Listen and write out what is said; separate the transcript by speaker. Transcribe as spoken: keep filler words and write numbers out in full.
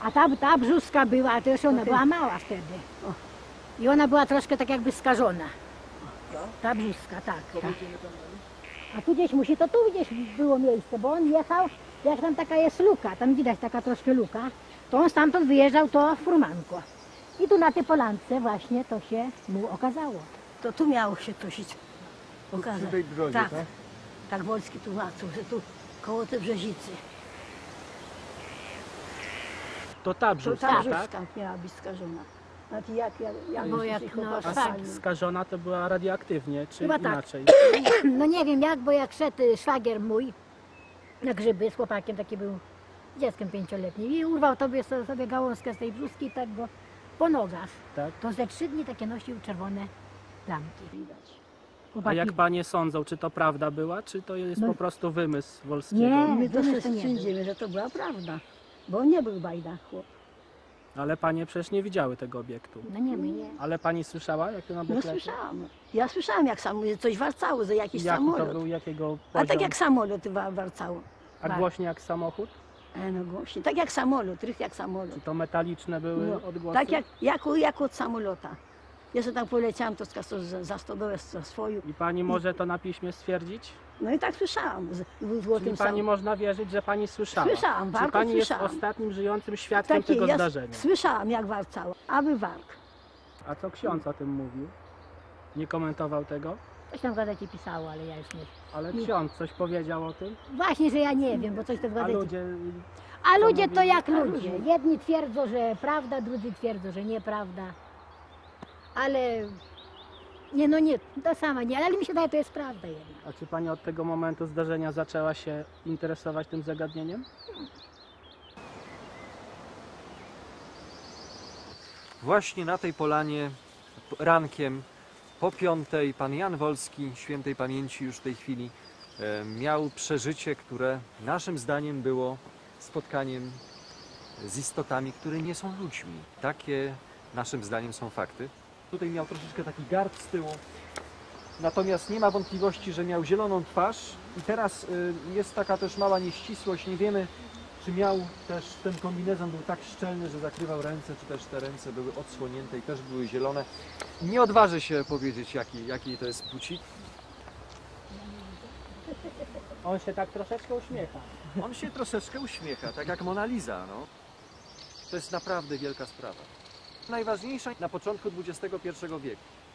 Speaker 1: A ta, ta brzuska była, to już ona była mała wtedy. I ona była troszkę tak jakby skażona. Ta brzuska, tak. Ta. A tu gdzieś musi, to tu gdzieś było miejsce, bo on jechał, jak tam taka jest luka, tam widać taka troszkę luka, to on stamtąd wyjeżdżał to furmanko. I tu na tej polance właśnie to się mu okazało.
Speaker 2: To tu miało się to się okazać.
Speaker 3: Przy tej brzozie,
Speaker 2: tak,
Speaker 3: tak?
Speaker 2: tak Wolski tłumaczył, że tu koło tej brzezicy.
Speaker 4: To ta
Speaker 2: To
Speaker 4: brzuska,
Speaker 2: ta
Speaker 4: tak?
Speaker 2: brzuska miała być skażona. Znaczy jak, jak, jak
Speaker 1: Bo jak,
Speaker 2: ich
Speaker 1: no,
Speaker 2: chłopaki
Speaker 1: tak.
Speaker 2: sami-
Speaker 4: Skażona to była radioaktywnie, czy
Speaker 1: Chyba tak.
Speaker 4: inaczej?
Speaker 1: No nie wiem jak, bo jak szedł szwagier mój na grzyby z chłopakiem, taki był dzieckiem pięcioletnim i urwał tobie so- sobie gałązkę z tej brzuski i tak go po nogach.
Speaker 4: Tak?
Speaker 1: To ze trzy dni takie nosił czerwone plamki.
Speaker 2: widać.
Speaker 4: A
Speaker 1: Chłopaki,
Speaker 4: jak panie sądzą, czy to prawda była, czy to jest
Speaker 1: No.
Speaker 4: po prostu wymysł Wolskiego?
Speaker 1: Nie.
Speaker 2: My to
Speaker 1: wymysł
Speaker 2: się
Speaker 1: to nie był.
Speaker 2: sądzimy, że to była prawda. Bo on nie był bajda chłop.
Speaker 4: Ale panie przecież nie widziały tego obiektu.
Speaker 1: no nie, my nie.
Speaker 4: Ale pani słyszała, jak to na
Speaker 2: No
Speaker 4: boklecie?
Speaker 2: słyszałam. Ja słyszałam jak sam, coś warcało, że jakiś
Speaker 4: Jaki to
Speaker 2: samolot.
Speaker 4: był, jakiego
Speaker 2: A tak
Speaker 4: poziom?
Speaker 2: jak samolot wa- warcało.
Speaker 4: A głośniej jak samochód?
Speaker 2: E, no głośniej. Tak jak samolot, rych jak samolot.
Speaker 4: Czy to metaliczne były
Speaker 2: No,
Speaker 4: odgłosy?
Speaker 2: tak jak, jak, jak od samolota. Ja sobie tam poleciałam, to skaso- za, za stodołę za swoją.
Speaker 4: I pani może to na piśmie stwierdzić?
Speaker 2: No i tak słyszałam. Z, w, w
Speaker 4: Czyli
Speaker 2: tym
Speaker 4: pani
Speaker 2: sam...
Speaker 4: można wierzyć, że pani słyszała?
Speaker 2: Słyszałam,
Speaker 4: Czy
Speaker 2: bardzo
Speaker 4: pani
Speaker 2: słyszałam.
Speaker 4: jest ostatnim żyjącym świadkiem
Speaker 2: Takie,
Speaker 4: tego
Speaker 2: ja
Speaker 4: zdarzenia?
Speaker 2: słyszałam jak warcało. Aby wark.
Speaker 4: A co ksiądz o tym mówił? Nie komentował tego?
Speaker 1: Coś tam w gazecie pisało, ale ja już nie.
Speaker 4: Ale
Speaker 1: Nie.
Speaker 4: ksiądz coś powiedział o tym?
Speaker 1: Właśnie, że ja nie wiem, bo coś to w
Speaker 4: A
Speaker 1: gazecie.
Speaker 4: ludzie...
Speaker 1: A
Speaker 4: co
Speaker 1: ludzie to
Speaker 4: mówili?
Speaker 1: jak
Speaker 2: A
Speaker 1: ludzie.
Speaker 2: ludzie.
Speaker 1: Jedni twierdzą, że prawda, drudzy twierdzą, że nieprawda. Ale nie, no nie, to sama nie, ale mi się daje, to jest prawda jednak.
Speaker 4: A czy pani od tego momentu zdarzenia zaczęła się interesować tym zagadnieniem?
Speaker 3: Właśnie na tej polanie rankiem po piątej pan Jan Wolski, świętej pamięci już w tej chwili, e, miał przeżycie, które naszym zdaniem było spotkaniem z istotami, które nie są ludźmi. Takie naszym zdaniem są fakty. Tutaj miał troszeczkę taki garb z tyłu, natomiast nie ma wątpliwości, że miał zieloną twarz i teraz y, jest taka też mała nieścisłość, nie wiemy, czy miał też, ten kombinezon był tak szczelny, że zakrywał ręce, czy też te ręce były odsłonięte i też były zielone. Nie odważę się powiedzieć, jaki, jaki to jest płci.
Speaker 4: On się tak troszeczkę uśmiecha.
Speaker 3: On się troszeczkę uśmiecha, tak jak Mona Lisa, no. To jest naprawdę wielka sprawa. Najważniejsza na początku dwudziestego pierwszego wieku.